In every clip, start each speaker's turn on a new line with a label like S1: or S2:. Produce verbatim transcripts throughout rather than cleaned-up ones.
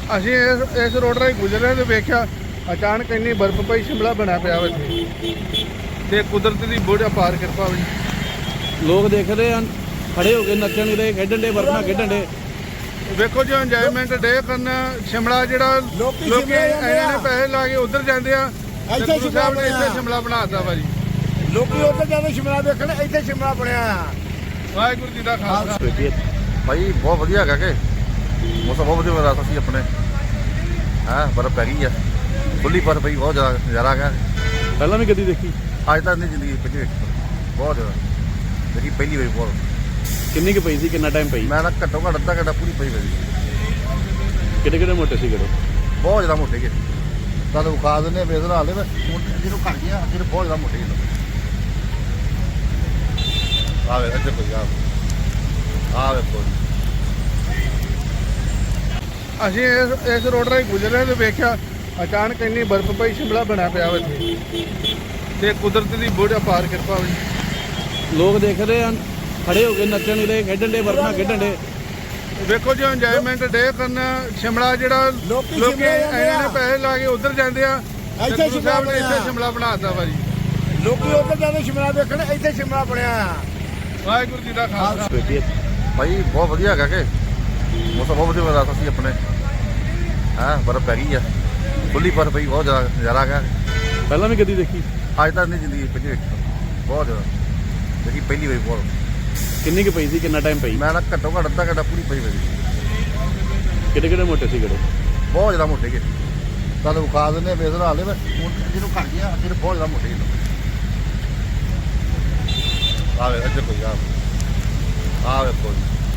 S1: ਅਸੀਂ ਇਸ ਇਸ ਰੋਡ ਰਾਹੀਂ ਗੁਜ਼ਰ ਰਹੇ ਤੇ ਵੇਖਿਆ ਅਚਾਨਕ ਇੰਨੀ ਬਰਫ਼ ਪਈ ਸ਼ਿਮਲਾ ਬਣਿਆ ਪਿਆ ਵਾ ਇੱਥੇ ਤੇ ਕੁਦਰਤ ਦੀ ਬੋਝ ਅਪਾਰ ਕਿਰਪਾ ਵੀ
S2: ਲੋਕ ਦੇਖ ਰਹੇ ਹਨ, ਖੜੇ ਹੋ ਕੇ ਨੱਚਣ ਦੇ, ਖੇਡਣ ਦੇ, ਵਰਨਾ ਖੇਡਣ ਦੇ।
S1: ਵੇਖੋ ਜੀ ਇੰਜੋਇਮੈਂਟ ਡੇ ਕਰਨ ਸ਼ਿਮਲਾ ਜਿਹੜਾ ਲੋਕੀ ਇਹਨਾਂ ਨੇ ਪੈਸੇ ਲਾ ਕੇ ਉਧਰ ਜਾਂਦੇ ਆ,
S3: ਇੱਥੇ
S1: ਗੁਰੂ ਸਾਹਿਬ ਨੇ ਇੱਥੇ ਸ਼ਿਮਲਾ ਬਣਾਤਾ ਵਾ ਜੀ।
S3: ਲੋਕੀ ਉੱਧਰ ਜਾਂਦੇ ਸ਼ਿਮਲਾ ਦੇਖਣ, ਇੱਥੇ ਸ਼ਿਮਲਾ ਬਣਿਆ ਆ।
S1: ਵਾਹਿਗੁਰੂ ਜੀ ਦਾ ਖਾਲਸਾ।
S4: ਭਾਈ ਬਹੁਤ ਵਧੀਆ ਹੈਗਾ ਕਿ ਮੌਸਮ ਬਹੁਤ ਵਧੀਆ ਰਾਤ ਸੀ ਆਪਣੇ ਹਾਂ ਬਰਫ਼ ਪੈ ਗਈ ਆ, ਖੁੱਲੀ ਬਰਫ਼ ਪਈ, ਬਹੁਤ ਜ਼ਿਆਦਾ ਨਜ਼ਾਰਾ ਹੈਗਾ।
S2: ਪਹਿਲਾਂ ਵੀ ਕਦੀ ਦੇਖੀ?
S4: ਅੱਜ ਤੱਕ ਨਹੀਂ ਜ਼ਿੰਦਗੀ ਪਹਿਲੀ ਵੇਖੀ, ਬਹੁਤ ਜ਼ਿਆਦਾ ਦੇਖੀ ਪਹਿਲੀ ਵਾਰੀ। ਬਹੁਤ
S2: ਕਿੰਨੀ ਕੁ ਪਈ ਸੀ, ਕਿੰਨਾ ਟਾਈਮ ਪਈ?
S4: ਮੈਂ ਨਾ ਘੱਟੋ ਘੱਟ ਅੱਧਾ ਘੰਟਾ ਪੂਰੀ ਪਈ ਮੇਰੀ।
S2: ਕਿਹੜੇ ਕਿਹੜੇ ਮੋਟੇ ਸੀ ਕਿਹੜੇ?
S4: ਬਹੁਤ ਜ਼ਿਆਦਾ ਮੋਟੇ ਗਏ, ਤੁਹਾਨੂੰ ਵਿਖਾ ਦਿੰਦੇ ਬੇਜ਼ਰ ਹਾਲੇ ਮੈਂ ਜਿਹਨੂੰ ਘੱਟ ਗਿਆ, ਜਿਹਨੂੰ ਬਹੁਤ ਜ਼ਿਆਦਾ ਮੋਟੇ ਗਏ। ਆਵੇ ਇੱਧਰ ਕੋਈ ਆ ਆ ਵੇਖੋ।
S1: ਅਸੀਂ ਇਸ ਇਸ ਰੋਡ ਰਾਹੀਂ ਗੁਜ਼ਰ ਰਹੇ ਤੇ ਵੇਖਿਆ ਅਚਾਨਕ ਇੰਨੀ ਬਰਫ਼ ਪਈ ਸ਼ਿਮਲਾ ਬਣਿਆ ਪਿਆ ਵਾ ਇੱਥੇ ਤੇ ਕੁਦਰਤ ਦੀ ਬੋਝ ਅਪਾਰ ਕਿਰਪਾ ਵੀ
S2: ਲੋਕ ਦੇਖ ਰਹੇ ਹਨ, ਖੜੇ ਹੋ ਕੇ ਨੱਚਣ ਦੇ, ਖੇਡਣ ਦੇ, ਵਰਨਾ ਖੇਡਣ ਦੇ।
S1: ਵੇਖੋ ਜੀ ਇੰਜੋਇਮੈਂਟ ਡੇ ਕਰਨ ਸ਼ਿਮਲਾ ਜਿਹੜਾ ਲੋਕੀ ਇਹਨਾਂ ਨੇ ਪੈਸੇ ਲਾ ਕੇ ਉਧਰ ਜਾਂਦੇ ਆ,
S3: ਇੱਥੇ
S1: ਗੁਰੂ ਸਾਹਿਬ ਨੇ ਇੱਥੇ ਸ਼ਿਮਲਾ ਬਣਾਤਾ ਵਾ ਜੀ।
S3: ਲੋਕੀ ਉੱਧਰ ਜਾਂਦੇ ਸ਼ਿਮਲਾ ਦੇਖਣ, ਇੱਥੇ ਸ਼ਿਮਲਾ ਬਣਿਆ ਆ।
S1: ਵਾਹਿਗੁਰੂ ਜੀ ਦਾ ਖਾਲਸਾ।
S4: ਭਾਈ ਬਹੁਤ ਵਧੀਆ ਹੈਗਾ ਕਿ ਮੌਸਮ ਬਹੁਤ ਵਧੀਆ ਰਾਤ ਸੀ ਆਪਣੇ ਹਾਂ ਬਰਫ਼ ਪੈ ਗਈ ਆ, ਖੁੱਲੀ ਬਰਫ਼ ਪਈ, ਬਹੁਤ ਜ਼ਿਆਦਾ ਨਜ਼ਾਰਾ ਹੈਗਾ।
S2: ਪਹਿਲਾਂ ਵੀ ਕਦੀ ਦੇਖੀ?
S4: ਅੱਜ ਤੱਕ ਨਹੀਂ ਜ਼ਿੰਦਗੀ ਪਹਿਲੀ ਵੇਖੀ, ਬਹੁਤ ਜ਼ਿਆਦਾ ਦੇਖੀ ਪਹਿਲੀ ਵਾਰੀ। ਬਹੁਤ
S2: ਕਿੰਨੀ ਕੁ ਪਈ ਸੀ, ਕਿੰਨਾ ਟਾਈਮ ਪਈ?
S4: ਮੈਂ ਨਾ ਘੱਟੋ ਘੱਟ ਅੱਧਾ ਘੰਟਾ ਪੂਰੀ ਪਈ ਮੇਰੀ।
S2: ਕਿਹੜੇ ਕਿਹੜੇ ਮੋਟੇ ਸੀ ਕਿਹੜੇ?
S4: ਬਹੁਤ ਜ਼ਿਆਦਾ ਮੋਟੇ ਗਏ, ਤੁਹਾਨੂੰ ਵਿਖਾ ਦਿੰਦੇ ਬੇਜ਼ਰ ਹਾਲੇ ਮੈਂ ਜਿਹਨੂੰ ਘੱਟ ਗਿਆ, ਜਿਹਨੂੰ ਬਹੁਤ ਜ਼ਿਆਦਾ ਮੋਟੇ ਗਏ। ਆਵੇ ਇੱਧਰ ਕੋਈ ਆ ਆ ਵੇਖੋ।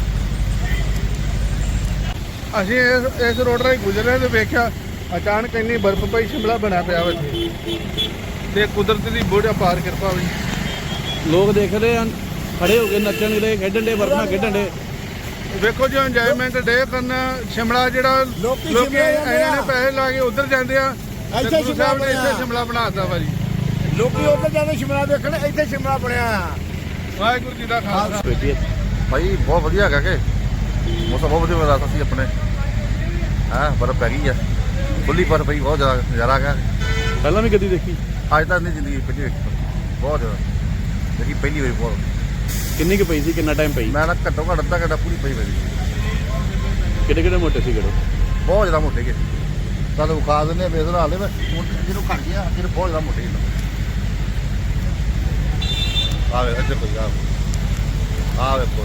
S1: ਅਸੀਂ ਇਸ ਇਸ ਰੋਡ ਰਾਹੀਂ ਗੁਜ਼ਰ ਰਹੇ ਤੇ ਵੇਖਿਆ ਅਚਾਨਕ ਇੰਨੀ ਬਰਫ਼ ਪਈ ਸ਼ਿਮਲਾ ਬਣਿਆ ਪਿਆ ਵਾ ਇੱਥੇ ਤੇ ਕੁਦਰਤ ਦੀ ਬੋਝ ਅਪਾਰ ਕਿਰਪਾ ਵੀ
S2: ਲੋਕ ਦੇਖ ਰਹੇ ਹਨ, ਖੜੇ ਹੋ ਕੇ ਨੱਚਣ ਦੇ, ਖੇਡਣ ਦੇ, ਵਰਨਾ ਖੇਡਣ ਦੇ।
S1: ਵੇਖੋ ਜੀ ਇੰਜੋਇਮੈਂਟ ਡੇ ਕਰਨ ਸ਼ਿਮਲਾ ਜਿਹੜਾ ਲੋਕੀ ਇਹਨਾਂ ਨੇ ਪੈਸੇ ਲਾ ਕੇ ਉਧਰ ਜਾਂਦੇ ਆ,
S3: ਇੱਥੇ
S1: ਗੁਰੂ ਸਾਹਿਬ ਨੇ ਇੱਥੇ ਸ਼ਿਮਲਾ ਬਣਾਤਾ ਵਾ ਜੀ।
S3: ਲੋਕੀ ਉੱਧਰ ਜਾਂਦੇ ਸ਼ਿਮਲਾ ਦੇਖਣ, ਇੱਥੇ ਸ਼ਿਮਲਾ ਬਣਿਆ ਆ।
S1: ਵਾਹਿਗੁਰੂ ਜੀ ਦਾ ਖਾਲਸਾ।
S4: ਭਾਈ ਬਹੁਤ ਵਧੀਆ ਹੈਗਾ ਕਿ ਮੌਸਮ ਬਹੁਤ ਵਧੀਆ ਰਾਤ ਸੀ ਆਪਣੇ ਹਾਂ ਬਰਫ਼ ਪੈ ਗਈ ਆ, ਖੁੱਲੀ ਬਰਫ਼ ਪਈ, ਬਹੁਤ ਜ਼ਿਆਦਾ ਨਜ਼ਾਰਾ ਹੈਗਾ।
S2: ਪਹਿਲਾਂ ਵੀ ਕਦੀ ਦੇਖੀ?
S4: ਅੱਜ ਤੱਕ ਨਹੀਂ ਜ਼ਿੰਦਗੀ ਪਹਿਲੀ ਵੇਖੀ, ਬਹੁਤ ਜ਼ਿਆਦਾ ਦੇਖੀ ਪਹਿਲੀ ਵਾਰੀ। ਬਹੁਤ
S2: ਕਿੰਨੀ ਕੁ ਪਈ ਸੀ, ਕਿੰਨਾ ਟਾਈਮ ਪਈ?
S4: ਮੈਂ ਨਾ ਘੱਟੋ ਘੱਟ ਅੱਧਾ ਘੰਟਾ ਪੂਰੀ ਪਈ ਮੇਰੀ।
S2: ਕਿਹੜੇ ਕਿਹੜੇ ਮੋਟੇ ਸੀ ਕਿਹੜੇ?
S4: ਬਹੁਤ ਜ਼ਿਆਦਾ ਮੋਟੇ ਗਏ, ਤੁਹਾਨੂੰ ਵਿਖਾ ਦਿੰਦੇ ਬੇਜ਼ਰ ਹਾਲੇ ਮੈਂ ਜਿਹਨੂੰ ਘੱਟ ਗਿਆ, ਜਿਹਨੂੰ ਬਹੁਤ ਜ਼ਿਆਦਾ ਮੋਟੇ ਗਏ। ਆਵੇ ਇੱਧਰ ਕੋਈ ਆ ਆ ਵੇਖੋ।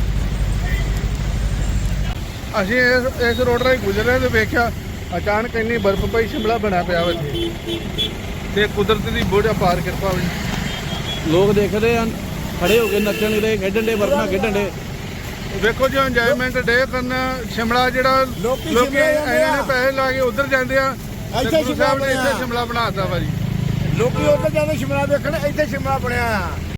S1: ਅਸੀਂ ਇਸ ਇਸ ਰੋਡ ਰਾਹੀਂ ਗੁਜ਼ਰ ਰਹੇ ਤੇ ਵੇਖਿਆ ਅਚਾਨਕ ਇੰਨੀ ਬਰਫ਼ ਪਈ ਸ਼ਿਮਲਾ ਬਣਿਆ ਪਿਆ ਵਾ ਇੱਥੇ ਤੇ ਕੁਦਰਤ ਦੀ ਬੋਝ ਅਪਾਰ ਕਿਰਪਾ ਵੀ
S2: ਲੋਕ ਦੇਖ ਰਹੇ ਹਨ, ਖੜੇ ਹੋ ਕੇ ਨੱਚਣ ਦੇ, ਖੇਡਣ ਦੇ, ਵਰਨਾ ਖੇਡਣ ਦੇ।
S1: ਵੇਖੋ ਜੀ ਇੰਜੋਇਮੈਂਟ ਡੇ ਕਰਨ ਸ਼ਿਮਲਾ ਜਿਹੜਾ ਲੋਕੀ ਇਹਨਾਂ ਨੇ ਪੈਸੇ ਲਾ ਕੇ ਉਧਰ ਜਾਂਦੇ ਆ, ਗੁਰੂ ਸਾਹਿਬ ਨੇ ਇੱਥੇ ਸ਼ਿਮਲਾ ਬਣਾਤਾ ਵਾ ਜੀ।
S3: ਲੋਕੀ ਉੱਧਰ ਜਾਂਦੇ ਸ਼ਿਮਲਾ ਦੇਖਣ, ਇੱਥੇ ਸ਼ਿਮਲਾ ਬਣਿਆ ਆ।